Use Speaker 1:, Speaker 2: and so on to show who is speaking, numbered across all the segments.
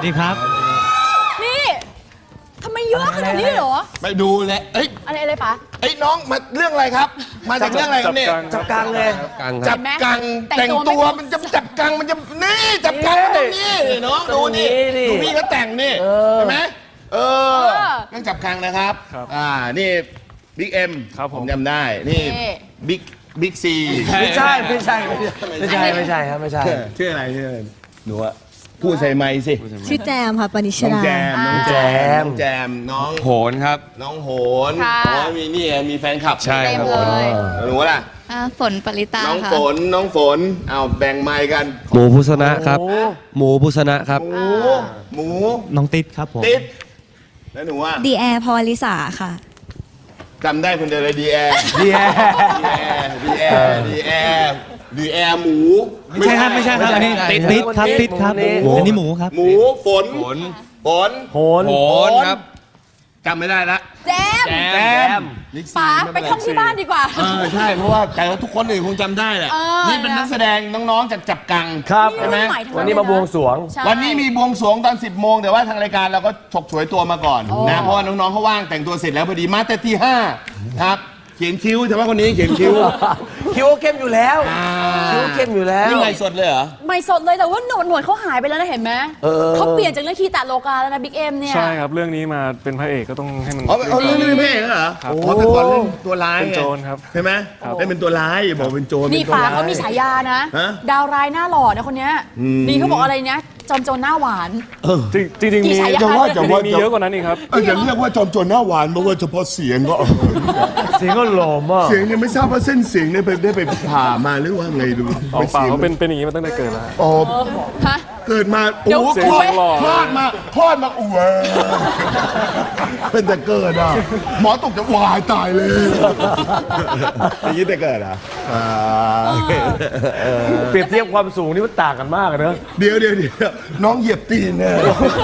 Speaker 1: ดีครับ
Speaker 2: นี่ทำไมเยอะขนาดนี้เหรอ
Speaker 3: ไปดูเลยเอ้ย
Speaker 2: อะไรปะ
Speaker 3: ไอ้น้องมาเรื่องอะไรครับ มาจากเรื่องอะไรครับเนี่ย
Speaker 4: จับกลางเลย
Speaker 3: จับกังแต่งตัวมันจะจับกังมันจะนี่จับกังตรงนี้น้องดูนี่ดูพี่เขาแต่งนี่เห็นไหมเรื่องจับกังนะครับนี่บิ๊กเอ็มผมจำได้นี่บิ๊กซี
Speaker 4: ไม่ใช่ครับไม่ใช่
Speaker 3: ชื่ออะไรหนูอะพูดใส่ไมค์สิ
Speaker 5: ชื่อแจมค่ะปณิช
Speaker 3: น้อง
Speaker 5: รา
Speaker 3: แจมน้องแจมน้อง
Speaker 6: โหนครับ
Speaker 3: น้องโหนมีนี่มีแฟนคลับ
Speaker 6: ใช่ครับ
Speaker 3: หนูล่ะ
Speaker 7: ฝนปริตา
Speaker 3: น้อง
Speaker 7: ค่ะ
Speaker 3: ฝนเอาแบ่งไมค์กัน
Speaker 6: หมูพุษณะครับ หมูพุษณะครับ
Speaker 3: หมู
Speaker 1: น้องติ๊ดครับผม
Speaker 3: ติ๊ดแล้วหนูว่า
Speaker 5: ดีแอร์พรลิสาค่ะ
Speaker 3: จำได้คนเดียวเลยดีแอร์หมู
Speaker 1: ไม่ใช่ครับไม่ใช่ครับอันนี้ติ๊ดครับติ๊ดครับอันนี้หมูครับ
Speaker 3: หมูฝน
Speaker 6: โหนครับ
Speaker 3: จำไม่ได้ละ
Speaker 2: แจม ป๋าไปท่องที่บ้านดีกว่า
Speaker 3: ใช่เพราะว่าแต่ว่าทุกคนอื่นคงจำได้แหละนี่เป็นนักแสดงน้องๆจากจับกัง
Speaker 4: ครับ
Speaker 3: ใช่ไหม
Speaker 4: วันนี้มาบวงสรวง
Speaker 3: วันนี้มีบวงสรวงตอน 10 โมงแต่ว่าทางรายการเราก็ฉกฉวยตัวมาก่อนนะเพราะว่าน้องๆเขาว่างแต่งตัวเสร็จแล้วพอดีมาแต่ที่5ครับเขียนคิ้วแต่ว่าคนนี้เขียนคิ้ว
Speaker 4: คิ้วเข้มอยู่แล้วคิ้วเข้มอยู่แล้ว
Speaker 3: นี่ไงสดเลยเหรอ
Speaker 2: ไม่สดเลยแต่ว่าหนวดเขาหายไปแล้วนะเห็นไหมเขาเปลี่ยนจากเรื่องคีตาโลกาแล้วนะบิ๊กเอ็มเนี่ย
Speaker 8: ใช่ครับ เรื่องนี้มาเป็นพระเอกก็ต้องให้มัน
Speaker 3: เรื่องนี้เป็นพระเอกเหรอแต่ก่อนเล่นตัวร้าย
Speaker 8: เป็นโจรครับ
Speaker 3: ใช่ไหมเล่นเป็นตัวร้ายบอกเป็นโจร
Speaker 2: นี่ป๋าเขามีฉายานะ ดาวร้ายหน้าหล่อนะคนเนี้ยนี่เขาบอกอะไรนะจอมโจรหน้าหวาน
Speaker 8: จริงๆมี
Speaker 2: กี่ฉายา
Speaker 8: มีเยอะกว่านั้นอีกครับ
Speaker 3: อย่าเรียกว่าจอมโจรหน้าหวานเพราะว่าเฉพาะเสียงก็
Speaker 4: เสียงก็หล่อมาก
Speaker 3: เสียงเนี่ยไม่ทราบว่าเส้นเสียงเนี่ยได้ไปผ่ามาหรือว่าไงดู
Speaker 8: ออกเปล่าเขาเป็นอย่างนี้มาตั้งแต่เกิดแล้ว
Speaker 3: อ๋อ
Speaker 2: ฮะ
Speaker 3: เกิดมา
Speaker 2: เดี๋ยว
Speaker 3: โอ้
Speaker 2: เสียง
Speaker 3: คลอด
Speaker 8: หล่อ
Speaker 3: คลอดมาอ้วเป็นแต่เกิดอ่ะหมอตกจะวายตายเลยอย่างนี้แต่เกิดอ่ะ
Speaker 4: เปรียบเทียบความสูงนี่มันต่างกันมากอะเนอะ
Speaker 3: เดี๋ยวน้องเหยียบตีนเนี่ย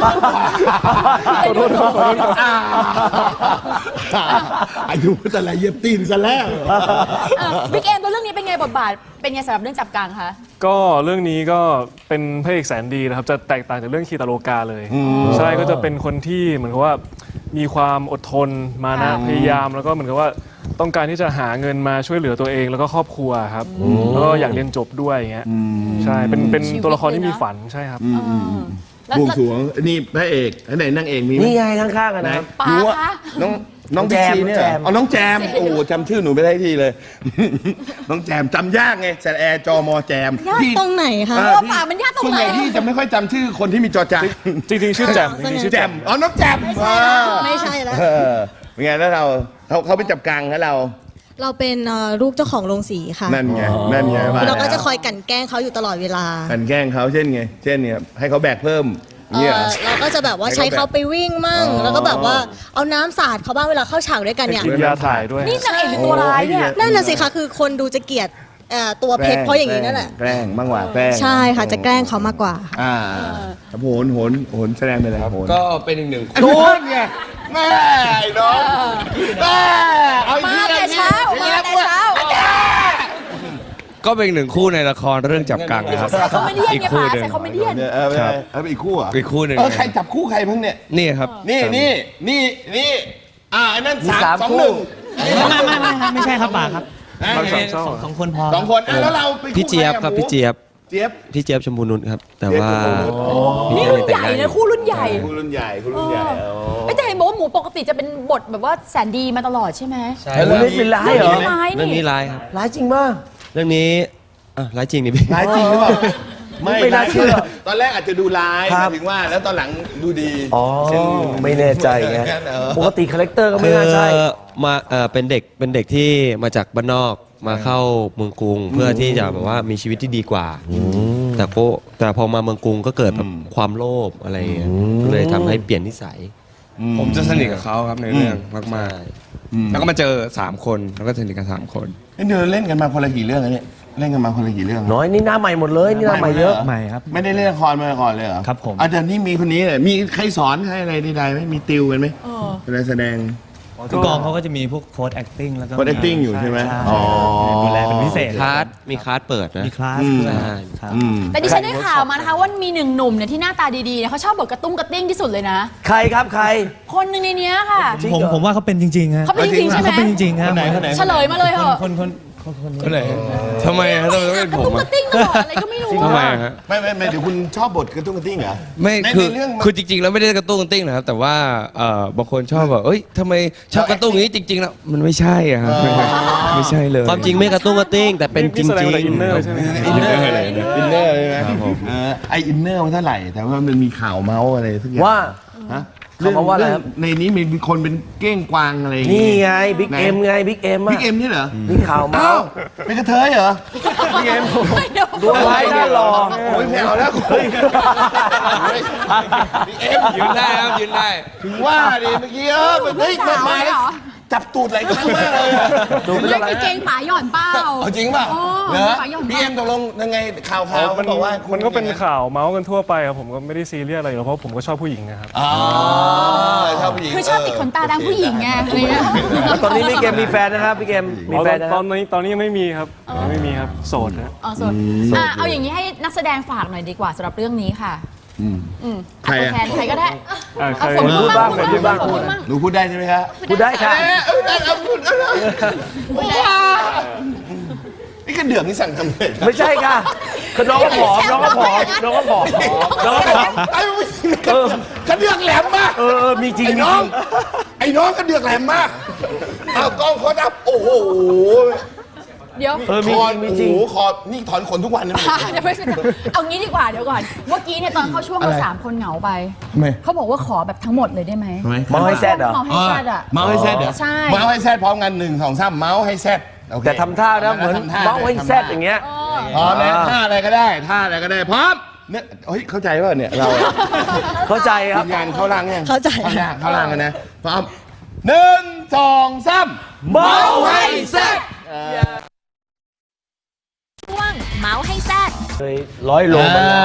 Speaker 3: อายุแต่ละเหยียบตีนซะแล้ว
Speaker 2: บิ๊กเอ็มตัวเรื่องนี้เป็นไงบทบาทเป็นไงสำหรับเรื่องจับกังคะ
Speaker 8: ก็เรื่องนี้ก็เป็นพระเอกแสนดีนะครับ จะแตกต่างจากเรื่องคีตาโลกาเลย ใช่ก็จะเป็นคนที่เหมือนกับว่ามีความอดทนมานะพยายามแล้วก็เหมือนกับว่าต้องการที่จะหาเงินมาช่วยเหลือตัวเองแล้วก็ครอบครัวครับแล้วก็อยากเรียนจบด้วยอย่างเงี้ยใช่เป็นตัวละครที่มีฝันใช่ครับ
Speaker 3: บวงสรวงนี่พระเอกอันไหนนางเอกมีไหม
Speaker 4: นี่ไงข้างๆกัน
Speaker 3: ไหน
Speaker 4: นะครับ
Speaker 2: ป๋าคะ
Speaker 3: น้องแจมเนี่ยน้องแจมโอ้จำชื่อหนูไม่ได้ทีเลย น้องแจมจำยากไงแสแอจอมอแจม
Speaker 5: ยากตรงไหนคะ
Speaker 2: ป๋ามันยากตรง
Speaker 3: ส่วน
Speaker 2: ไหน
Speaker 3: ใหญ่พี่จะไม่ค่อยจำชื่อคนที่มีจอจาน
Speaker 8: จริงๆชื่อแจ่มจริงๆชื่อ
Speaker 3: แจ
Speaker 8: แจ่
Speaker 3: ม
Speaker 8: ม
Speaker 3: อ๋อน้องแจม
Speaker 5: ไม่ใช่แล้ว
Speaker 3: เป็นไงแล้วเขาเป็นจับกังแล้วเรา
Speaker 5: เราเป็นลูกเจ้าของโรงสีค่ะ
Speaker 3: นั่นไงว่า
Speaker 5: เราก็จะคอยกลั่นแกล้งเขาอยู่ตลอดเวลา
Speaker 3: กันแกล้งเขาเช่นไงเช่นเนี่ยให้เขาแบกเพิ่มเนี่ย
Speaker 5: เราก็จะแบบว่าใช้เขาไปวิ่งมั่ง แล้วก็แบบว่าเอาน้ำสาดเขาบ้างเวลาเข้าฉากด้วยกันเนี่ย
Speaker 8: กินยาถ่ายด้วย
Speaker 2: นี่นางเอกหรือตัวร้ายเนี่ย
Speaker 5: นั่นน่ะสิคะคือคนดูจะเกลียดตัวเพชรเพราะอย่างนี้นั่นแหละ
Speaker 3: แกล้งบ้างว่าแกล้ง
Speaker 5: ใช่ค่ะจะแกล้งเขามากกว่า
Speaker 3: โหนแสดงไปเลยครับโหน
Speaker 6: ก็เป็นอีกหนึ่ง
Speaker 3: โหนไงแม่ไอ้น้องแม่เอาอีก
Speaker 2: มา
Speaker 3: ที
Speaker 2: แต่เช้ามาแต่เช้า
Speaker 6: ก็เป็นอีกหนึ่งคู่ในละครเรื่องจับกังนะครับ
Speaker 2: ใส่คอมเมดี้
Speaker 6: อีก
Speaker 2: เนี่ย
Speaker 6: คู่
Speaker 2: ป๋า
Speaker 6: หนึ่ง
Speaker 2: ใส่คอมเมดี้
Speaker 3: เอาไปอีกคู่อ่ะ
Speaker 6: อีกคู่หนึ่ง
Speaker 3: ใครจับคู่ใครเพิ่งเนี่ย
Speaker 6: นี่ครับ
Speaker 3: นี่อันนั้น
Speaker 4: มีสาม
Speaker 3: 2-1
Speaker 4: คู่
Speaker 1: ไม่ใช่ครับป๋าครับ
Speaker 8: บางสามช่อง
Speaker 1: สองคนพอ
Speaker 3: สองคนแล้วเราไป
Speaker 6: พี่เจี๊ยบครับพี่เจี๊ยบ
Speaker 3: เจี๊ยบ
Speaker 6: พี่เจี๊ยบชมพูนุชครับ แต่ว่า
Speaker 2: นี่รุ่นใหญ่นะคู่รุ่นใหญ่
Speaker 3: คู่รุ่นใหญ่
Speaker 2: ไม่แต่เห็นบอกว่าหมูปกติจะเป็นบทแบบว่าแสนดีมาตลอดใช่ไหม
Speaker 6: ใช่
Speaker 4: เรื่องนี้เป็นร้ายเหรอ
Speaker 2: ไม่ร้าย
Speaker 6: เรื่อง
Speaker 2: นี่
Speaker 6: นี้ร้ายครับ
Speaker 4: ร้ายจริงมาก
Speaker 6: เรื่องนี้ร้ายจริงดิพี่
Speaker 3: ร้ายจริงหรือเปล่า
Speaker 4: ไม่น่าเชื่อ
Speaker 3: ตอนแรกอาจจะดูร้าย
Speaker 4: ครับ
Speaker 3: ถึงว่าแล้วตอนหลังดูดี
Speaker 4: อ๋อไม่แน่ใจไงปกติคาแรคเตอร์ก็ไม่
Speaker 6: คือ
Speaker 4: น่าใช่
Speaker 6: มาเป็นเด็กที่มาจากบ้านนอกมาเข้าเมืองกรุง เพื่อที่จะแบบว่ามีชีวิตที่ดีกว่า แต่พอมาเมืองกรุงก็เกิดแบบความโลภอะไรอย่างเงี้ยก็เลยทำให้เปลี่ยนนิสัย
Speaker 9: ผมจะสนิทกับเขาครับในเรื่องมากๆแล้วก็มาเจอ3คนแล้วก็สนิทกัน3คน
Speaker 3: เดินเล่นกันมาคนละกี่เรื่องเนี่ยเล่นกันมาคนละกี่เรื่อง
Speaker 4: น้อยนี่หน้าใหม่หมดเลยนี่หน้าใหม่เยอะ
Speaker 1: ใหม่ครับ
Speaker 3: ไม่ได้เล่นละครมาก่อนเลยเหรอ
Speaker 1: ครับผม
Speaker 3: อาจารย์นี่มีคนนี้เนี่ยมีใครสอนใครอะไรใดๆไหมมีติวกันไหมเวลาแสดง
Speaker 1: ทุกกองเขาก็จะมีพวกโค้ด acting แล้วก็
Speaker 3: โค้ด acting อยู่ใช่ไหม
Speaker 1: อ๋อดูแลเป็นพิเศษ
Speaker 6: มีคลาสเปิดนะ
Speaker 1: มีคลาสด้วยครับ
Speaker 2: แต่ดิฉันได้ข่าวมานะคะว่ามีหนึ่งหนุ่มเนี่ยที่หน้าตาดีๆเนี่ยเขาชอบบทกระตุ้งกระติ้งที่สุดเลยนะ
Speaker 4: ใครครับใคร
Speaker 2: คนหนึ่งในเนี้ยค่ะ
Speaker 1: ผมว่าเขาเป็นจริงๆฮะ
Speaker 2: เขาเป็นจริงๆใช่ไหม
Speaker 1: เขาเป็นจริงๆครับ
Speaker 2: เฉลยมาเลยเหรอะ
Speaker 6: คนไหนทำไมฮะทำไมต้องเป็น
Speaker 2: กระ
Speaker 6: ผม
Speaker 2: ตุ้งก
Speaker 6: อะ
Speaker 2: ระติ้งตลอดอะไรก็ไม่รู้
Speaker 6: ทำไม
Speaker 2: อะ
Speaker 6: ฮะ
Speaker 3: ไม่เดี๋ยวคุณชอบบทกระตุ้งกระติ้งเหรอ
Speaker 9: ไม่
Speaker 3: ใน
Speaker 9: คือ
Speaker 3: เรื่อง
Speaker 9: คือจริงๆแล้วไม่ได้กระตุ้งกระติ้งนะครับแต่ว่าบางคนชอบแบบเอ้ยทำไมชอบกระตุ้งอย่างนี้จริงๆแล้วมันไม่ใช่อะครับไม่ใช่เลย
Speaker 6: ความจริงไม่กระตุ้งกระติ้งแต่เป็นจริ
Speaker 8: นี่แสดง
Speaker 6: ง
Speaker 8: ว่าอินเนอร์ใช่ไหม
Speaker 3: อินเนอร์เลยนะอินเนอร์เลยนะไออินเนอร์มันเท่าไหร่ แต่ว่ามันมีข่าวเมาส์อะไรทุกอย่าง
Speaker 4: ว่า
Speaker 3: ฮะ
Speaker 4: ข่าวเมาส์ว่าอะไรครับ
Speaker 3: ในนี้มีคนเป็นเก้งกวางอะไรอย่าง
Speaker 4: นี่
Speaker 3: งี้
Speaker 4: ไงบิ๊กเอ็มไงบิ๊กเอ็ม
Speaker 3: บิ๊กเอ็มนี่เหรอ
Speaker 4: นี่ข่าวเมา
Speaker 3: อ้าว
Speaker 4: ส์
Speaker 3: เป็นกระเทยเหรอบิ๊กเอ็ม
Speaker 4: ดูไว้น่าหล่อ
Speaker 3: โอ้ยไม่เอาแล้วเฮ้ยบิ๊กเอ็ม
Speaker 9: ยืนได้ครับยืนได้
Speaker 3: ถึงว่าดิเมื่อกี้มันเฮ้ย
Speaker 2: สาว
Speaker 3: มา
Speaker 2: เลย
Speaker 3: แล้ว
Speaker 2: เหรอ
Speaker 3: จับตูดหลายครั้งมากเลยอะ
Speaker 2: เล่นเกงป๋าหย่อนเป้า
Speaker 3: เอาจริงป่ะ
Speaker 2: อ๋อ
Speaker 3: เหรอ
Speaker 2: ป๋าหย่อน
Speaker 3: พี่เอ็มตกลงยังไงข่าว
Speaker 8: มัน
Speaker 3: บอกว่า
Speaker 8: มันก็เป็นข่าวเมาส์กันทั่วไปครับผมก็ไม่ได้ซีเรียสอะไรอยู่แล้วเพราะผมก็ชอบผู้หญิงนะครับ
Speaker 3: อ๋อชอบผู้หญิง
Speaker 2: คือชอบติดขนตาดังผู้หญิงไงอะไรเงี้ย
Speaker 4: แล้วตอนนี้บิ๊กเอ็มมีแฟนนะครับบิ๊กเอ็มมีแฟนนะค
Speaker 8: ต
Speaker 4: รั
Speaker 8: อบ นนี้ยังไม่มีครับยังไม่มีครับโสดนะ
Speaker 2: อ๋อส่วนเอาอย่างนี้ให้นักแสดงฝากหน่อยดีกว่าสำหรับเรื่องนี้ค่ะ
Speaker 3: ใคร
Speaker 2: ตัว
Speaker 3: อะ
Speaker 2: แทนใครก็ได้
Speaker 8: ใคร
Speaker 2: ฝนพูดบ้าง
Speaker 4: พูดบ้าง
Speaker 2: ฝนพูดบ้าง
Speaker 3: หนูพูดได้ใช่ไหมครับ
Speaker 4: พูดได้ค่ะ
Speaker 3: นี่กระเดือกนี่สั่งทำเลย
Speaker 4: ไม่ใช่ค่ะคือน้องก็ผอมน้องก็ผอมน้องก็ผอมน้องก็ผอม
Speaker 3: ไอ้กระเดือกแหลมมาก
Speaker 4: มีจริง
Speaker 3: ไอ้
Speaker 4: มี
Speaker 3: น้
Speaker 4: จ
Speaker 3: อ
Speaker 4: ริ
Speaker 3: ง
Speaker 4: ง
Speaker 3: ไอ้น้องกระเดือกแหลมมากเอากล้องเขาดับโอ้โห
Speaker 2: เดี๋ยว
Speaker 4: มี
Speaker 3: คอ
Speaker 4: จริงมี
Speaker 3: โอ้
Speaker 4: จริง
Speaker 3: โหคอนี่ถอนขนทุกวันนะ
Speaker 2: เดี๋ยวไม่ใช่เอางี้ดีกว่าเดี๋ยวก่อนเมื่อกี้เนี่ยตอนเข้าช่วงเราสามคนเหงาไป
Speaker 3: ไม่
Speaker 2: เขาบอกว่าขอแบบทั้งหมดเลยได้ไหม
Speaker 4: เมาให้แซดเหรอ
Speaker 2: เมาให้แซดอ่ะ
Speaker 3: เมาส์ให้แซดเหรอ
Speaker 2: ใช่
Speaker 3: เมาส์ให้แซดพร้อมกัน1 2 3เมาส์ให้แซดโอเค
Speaker 4: แต่ทำท่านะเหมือน
Speaker 3: ทำท่
Speaker 4: เมาให้แซดอย่างเงี้ย
Speaker 3: พร้อมนะท่าอะไรก็ได้ท่าอะไรก็ได้พร้อมเนี่ยเฮ้ยเข้าใจป่ะเนี่ยเรา
Speaker 4: เข้าใจครับ
Speaker 3: งานเข้าร่างยัง
Speaker 5: เข้าใจ
Speaker 3: เข้าร่างกันนะพร้อม1 2 3
Speaker 4: เมาให้แซด
Speaker 5: ช่วงเมาส์ให้แซด
Speaker 4: เคย100 โลมาแล้ว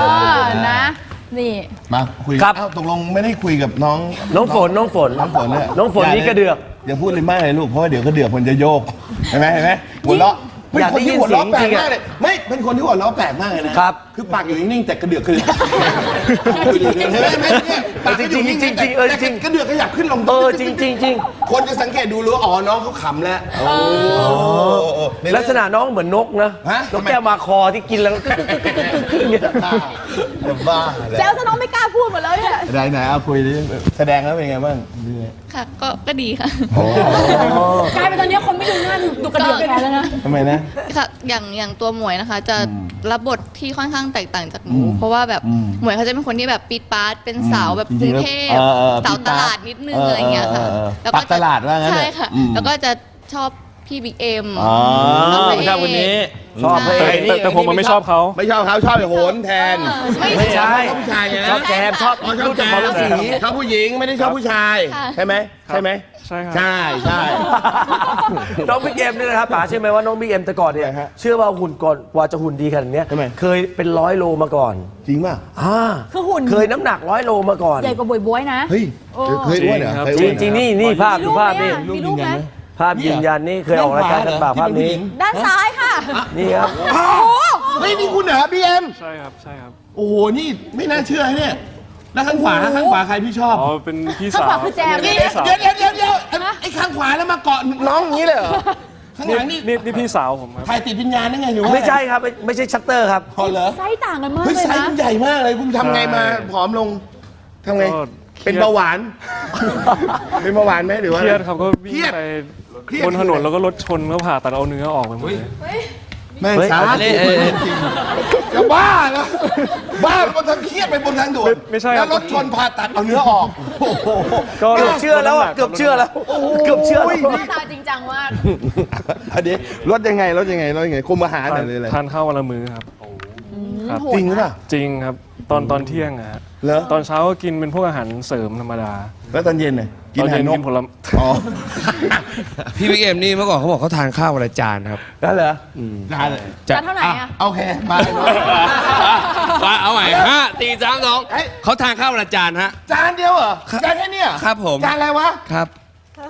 Speaker 2: นะ นี่
Speaker 3: มาคุย
Speaker 4: ครับ
Speaker 3: เอ้าตกลงไม่ได้คุยกับน้อง
Speaker 4: น้องฝนน้องฝน
Speaker 3: น้องฝนเนี่ย
Speaker 4: น้องฝนนี่กระเดือก
Speaker 3: อย่าพูดเลยมากเลยลูกเพราะว่าเดี๋ยวกระเดือกมันจะโยกเห็นไหมหัวเราะเป็น
Speaker 4: อยาก
Speaker 3: คน
Speaker 4: ได้ยิ
Speaker 3: ที่
Speaker 4: น
Speaker 3: หัวเราะแปล
Speaker 4: เสี
Speaker 3: ก
Speaker 4: ยงจริงๆ
Speaker 3: มากเลยไม่เป็นคนที่หัวเราะแปลกมากเลยนะครับ คือปากอยู่นิ่งๆแต่กระเดือกคือเห็นไหมเนี่ยปากก็อยู่นิ่งๆ
Speaker 4: จริงๆจริงๆเออจริง
Speaker 3: แต่กระเดือกขยับขึ้นลง
Speaker 4: จริงจริงจริง
Speaker 3: คนจะสังเกตดูรู้ว่าอ๋อน้องเขาขำแล้วในเรื่อง
Speaker 4: ลักษณะน้องเหมือนนกนะ
Speaker 3: ฮะ
Speaker 4: นกแก้วมาคอที่กินแล้วกึกอย่างเงี้ย
Speaker 3: บ้า
Speaker 2: แซวซะน้องไม่กล้าพูดหมดเลยเนี่ย
Speaker 3: ไหนเอาคุยดิแสดงแล้วเป็นไงบ้าง
Speaker 7: ค่ะก็ดีค่ะ
Speaker 2: กลายเป็นตอนนี้คนไม่ดูหน้าดูกระเดือกแทนแล้วนะ
Speaker 3: ทำไมนะ
Speaker 7: ค่ะอย่างตัวหมวยนะคะ จะรับบทที่ค่อนข้างแตกต่างจากหนูเพราะว่าแบบหมวยเขาจะเป็นคนที่แบบปี๊ดป๊าดเป็นสาวแบบกรุงเทพสาวตลาดนิดนึงอะไรอย่างเงี้ยค่ะแล้วก็
Speaker 3: ปักตลาดว่างั้น
Speaker 7: ใช่ค่ะ แล้วก็จะชอบพี่บิ๊กเอ็ม
Speaker 4: ชอบคนนี้ชอบพระเอก
Speaker 8: แต่ผมมันไม่ชอบเขา
Speaker 3: ไม่ชอบเขาชอบไอ้โหนแทน
Speaker 4: ไม่ใช่
Speaker 3: ชอบผู้ชายไง
Speaker 4: ชอบแจมชอบ
Speaker 3: อ๋อชอบ
Speaker 4: ลูก
Speaker 3: แจ
Speaker 4: จาก
Speaker 3: ม
Speaker 4: หมอฤาษี
Speaker 3: ชอบผู้หญิงไม่ได้ชอบผู้ชาย
Speaker 7: ค่ะ
Speaker 3: ใช่ไหมใช่ไหม
Speaker 8: ใช่ครับ
Speaker 3: ใช่
Speaker 4: น้องบิ๊กเอ็มนี่นะครับป๋าเชื่อไหมว่าน้องบิ๊กเอ็มแต่ก่อนเนี่ย
Speaker 3: ฮะ
Speaker 4: เชื่อว่าหุ่นก่อนกว่าจะหุ่นดีขนาดเนี้ย
Speaker 3: ทำไม
Speaker 4: เคยเป็น100 โลมาก่อน
Speaker 3: จริงป่ะ
Speaker 2: คือหุ่น
Speaker 4: เคยน้ำหนัก100 โลมาก่อน
Speaker 2: ใหญ่กว่าบวยบวยนะ
Speaker 3: เฮ้ยเคยอ้วนเหรอ
Speaker 8: จริงครับ
Speaker 3: เคยอ้วนเหอ
Speaker 4: จริงๆนี่ภาพ
Speaker 2: มี
Speaker 4: ดู
Speaker 2: รูปไหม
Speaker 4: ภาพนี่
Speaker 2: อะมีรูปไหม
Speaker 4: ภาพยืนยันนี่เคยออกรายการกันป่าภาพนี้
Speaker 2: ด้านซ้ายค่ะ
Speaker 4: นี่ครับ
Speaker 3: เฮ้ยนี่คุณเหรอพี่เอ็ม
Speaker 8: ใช่ครับใช่ครับ
Speaker 3: โอ้โหนี่ไม่น่าเชื่อเนี่ยแล้วข้างขวาใครพี่ชอบ
Speaker 8: อ๋อเป็นพี่
Speaker 2: ข้าง
Speaker 8: สา
Speaker 2: ขวาว คือแจม
Speaker 3: นี่
Speaker 2: นี่
Speaker 3: เดี๋ยวไอ้ข้างขวาแล้วมาเกาะน้องอย่างนี้เลยเหรอข้างหลังนี่
Speaker 8: นี่พี่สาวผมครับ
Speaker 3: ถ่ายติดวิญญาณได้ไงหรือว่า
Speaker 4: ไม่ใช่ครับไม่ใช่ชัตเตอร์ครับ
Speaker 3: พอเหรอ
Speaker 2: ไซส์ต่างกันมาก
Speaker 3: เฮ้ย
Speaker 2: เลย
Speaker 3: ไซส์
Speaker 2: นะ
Speaker 3: มันใหญ่มากเลยคุณทำไงมาผอมลงทำไง
Speaker 8: ก็
Speaker 3: เป็นเบาหวาน เป็นเบาหวานไหมหรือว่า
Speaker 8: เครียดครับก็วิ่
Speaker 3: เครี
Speaker 8: ง
Speaker 3: ยด
Speaker 8: ไป
Speaker 3: เครียด
Speaker 8: บนถนนแล้วก็รถชนก็ผ่าตัดเอาเนื้อออกไปหมดเลย
Speaker 3: แม่ง
Speaker 4: เฮ้ย
Speaker 3: สา
Speaker 6: เอ้ย
Speaker 3: จะบ้าแล้วบ้าบนทางเครียดไปบนทางด่วน
Speaker 8: ไม่ใช่
Speaker 3: แล้วรถชนผ่าตัดเอาเนื้อออกโอ้โห
Speaker 8: ก็
Speaker 4: เกือบเชื่อแล้วอ่ะเกือบเชื่อแล้วเกือบเชื่อแล้ว
Speaker 2: หน้าตาจริงจังมาก
Speaker 3: อันนี้รถยังไงคุมอาหารหน่อยเลยเลย
Speaker 8: ทานข้าววันละมื้อครับครับ
Speaker 3: จริงหรือเปล่า
Speaker 8: จริงครับตอนเที่ยงอะฮะ
Speaker 3: เหรอ
Speaker 8: ตอนเช้าก็กินเป็นพวกอาหารเสริมธรรมดา
Speaker 3: แล้วตอนเย็นน่ะกิน
Speaker 8: ตอน
Speaker 3: อาหา
Speaker 8: เย็
Speaker 3: ร
Speaker 8: น
Speaker 3: น
Speaker 8: กิ
Speaker 3: ก
Speaker 8: นผลไม้
Speaker 3: อ๋อ
Speaker 9: พี่บิ๊กเอ็มนี่เมื่อก่อนเขาบอกเขาทานข้าววันละจานครับ
Speaker 4: นั่นเหรอ
Speaker 3: จานเลย
Speaker 2: จานเท่าไหร่อะ
Speaker 3: โอเคมา
Speaker 9: ว่าเอาใหม่5 4 3 2เขาทานข้าววันละจานฮะ
Speaker 3: จานเดียวเหรอจานแค่เนี้ย
Speaker 9: ครับผม
Speaker 3: จานอะไรวะ
Speaker 9: ครับ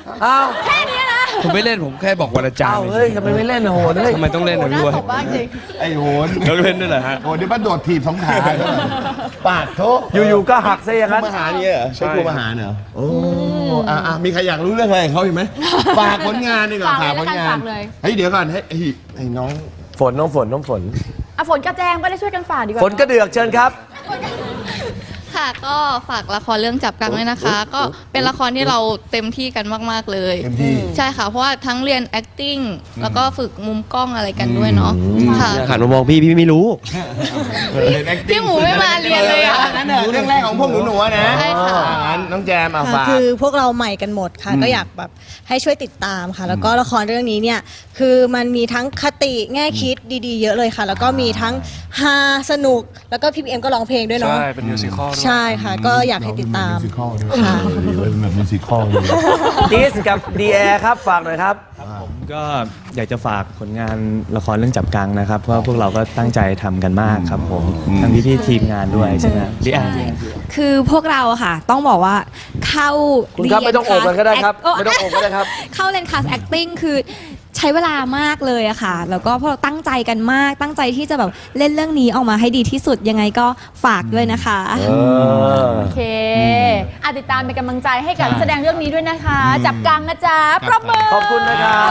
Speaker 4: อ้าว
Speaker 2: แค่นี้นะ
Speaker 9: ผมไม่เล่นผมแค่บอกวันอาจาร
Speaker 4: อ้าว
Speaker 9: ย์
Speaker 4: เฮ้ยทำไมไม่เล่นโหนเฮ้ย
Speaker 9: ทำไมต้องเล่น
Speaker 2: โอ้
Speaker 9: นะ
Speaker 2: โหน่า
Speaker 9: ด้วย
Speaker 2: ตบบ้างจริง
Speaker 3: ไอ้โหน
Speaker 9: ต้องเล่นด้วยเหรอฮะ
Speaker 3: โหนนี่มันโดดถีบสองขาปาดโถ
Speaker 4: อยู่ๆก็หักซะอย่างนั้น
Speaker 3: มาหาเนี่ยเหรอใช่ครูมาหาเหรอโอ้มีใครอยากรู้เรื่องอะไรเขาอีกไหมฝากผลงานดีกว่า
Speaker 2: ฝากเลย
Speaker 3: ผลงา
Speaker 2: ฝาน กเลย
Speaker 3: เฮ้ยเดี๋ยวก่อนไอ้น้อง
Speaker 4: น้องฝน
Speaker 2: อ่ะฝนกระแจงไปได้ช่วยกันฝากดีกว่า
Speaker 4: ฝนกระเดือกเชิญครับ
Speaker 7: ค่ะก็ฝากละครเรื่องจับกังด้วยนะคะ ก็เป็นละครที่เราเต็มที่กันมากๆเลย
Speaker 3: เต็มที่
Speaker 7: ใช่ค่ะ เพราะว่าทั้งเรียน acting แล้วก็ฝึกมุมกล้องอะไรกันด้วยเนาะค่ะ
Speaker 6: หันมามองพี่ไม่รู้
Speaker 7: พี่หมูไม่มาเรียนเลยอ่ะ
Speaker 3: นั่นเนอะเรื่องแรกของพวกหนูๆนะ
Speaker 7: ใช่ค่ะ
Speaker 3: งั้นน้องแจมเอา
Speaker 5: ค่ะ
Speaker 3: ฝาก
Speaker 5: คือพวกเราใหม่กันหมดค่ะ ก็อยากแบบให้ช่วยติดตามค่ะ แล้วก็ละครเรื่องนี้เนี่ยคือมันมีทั้งคติแง่คิดดีๆ เยอะเลยค่ะ แล้วก็มีทั้งฮาสนุกแล้วก็พี่เอ็มก็ร้องเพลงด้วยเนาะ
Speaker 8: ใช่ เป็นมิวสิคอลด้วย
Speaker 5: ใช่ค่ะ ก็อยากให้ติดตาม
Speaker 3: ค่ะดีเลยแบบมิวสิคอลเลย
Speaker 4: ดิสกับดีแอร์ครับ ฝากหน่อยครับ
Speaker 1: ผมก็อยากจะฝากผลงานละครเรื่องจับกังนะครับ เพราะว่าพวกเราก็ตั้งใจทำกันมากครับผม ทั้งพี่ๆทีมงานด้วยใช่ไหมดิอ่ะ
Speaker 10: คือพวกเราอะค่ะ ต้องบอกว่าเข้า
Speaker 4: คุณครับไม่ต้องโอบกันก็ได้ครับ
Speaker 10: โอ้
Speaker 4: ไม่ต้องโอบก็ได้ครับ
Speaker 10: เข้าเรียนคลาส acting คือใช้เวลามากเลยอะค่ะ แล้วก็พวกเราตั้งใจกันมาก ตั้งใจที่จะแบบเล่นเรื่องนี้ออกมาให้ดีที่สุดยังไงก็ฝากด้วยนะคะ
Speaker 2: โอเคติดตามเป็นกำลังใจให้กับนักแสดงเรื่องนี้ด้วยนะคะ จับกังนะจ๊ะปรบมือ
Speaker 4: ขอบคุณนะครับ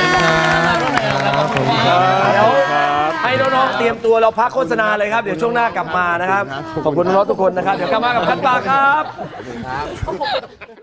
Speaker 4: เดี๋ยวให้น้องๆเตรียมตัวเราพักโฆษณาเลยครับ เดี๋ยวช่วงหน้ากลับมานะครับ ขอบคุณน้องๆทุกคนนะครับ เดี๋ยวกลับมากับคันปากครับ